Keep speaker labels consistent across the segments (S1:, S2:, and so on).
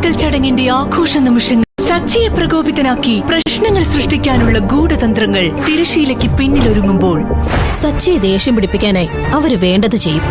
S1: ഏറ്റെടുക്കൽ ചടങ്ങിന്റെ ആഘോഷ നിമിഷങ്ങൾ സച്ചിയെ പ്രകോപിതനാക്കി പ്രശ്നങ്ങൾ സൃഷ്ടിക്കാനുള്ള ഗൂഢതന്ത്രങ്ങൾ തിരശീലയ്ക്ക് പിന്നിലൊരുങ്ങുമ്പോൾ
S2: സച്ചിയെ ദേഷ്യം പിടിപ്പിക്കാനായി അവര് വേണ്ടത് ചെയ്യും.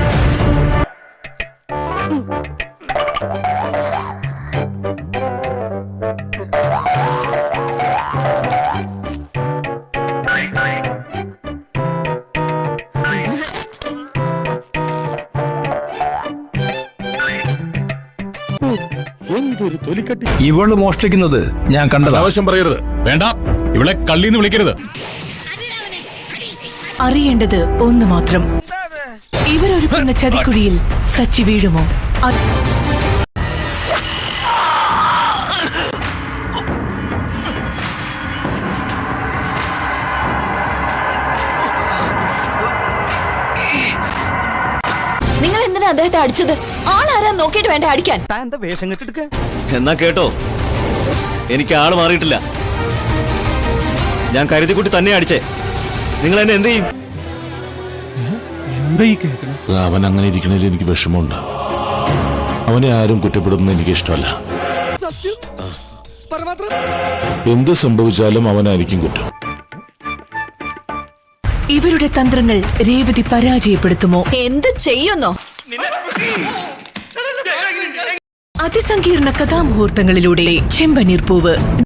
S3: ഇവള് മോഷ്ടിക്കുന്നത് ഞാൻ കണ്ടത്.
S4: ആവശ്യം പറയരുത്. വേണ്ട, ഇവളെ കള്ളിന്ന് വിളിക്കരുത്.
S1: അറിയേണ്ടത് ഒന്ന് മാത്രം, ഇവരൊരുക്കുന്ന ചതിക്കുഴിയിൽ സച്ചി വീഴുമോ?
S5: നിങ്ങൾ എന്തിനാ അദ്ദേഹത്തെ അടിച്ചത്? ആളാരാ നോക്കിയിട്ട് വേണ്ട അടിക്കാൻ.
S6: എന്നാ കേട്ടോ, എനിക്ക് ആള് മാറിയിട്ടില്ല. ഞാൻ കരുതിക്കുട്ടി തന്നെ അടിച്ചേ. നിങ്ങൾ എന്നെ എന്ത് ചെയ്യും?
S4: അവൻ അങ്ങനെ ഇരിക്കണതിൽ എനിക്ക് വിഷമമുണ്ട്. അവനെ ആരും കുറ്റപ്പെടുന്നത് എനിക്ക് ഇഷ്ടമല്ല. എന്ത് സംഭവിച്ചാലും അവനായിരിക്കും കുറ്റം.
S1: ഇവരുടെ തന്ത്രങ്ങൾ രേവതി പരാജയപ്പെടുത്തുമോ?
S5: എന്ത് ചെയ്യുന്നോ?
S1: അതിസങ്കീർണ കഥാമുഹൂർത്തങ്ങളിലൂടെ ചെമ്പനീർ പൂവ്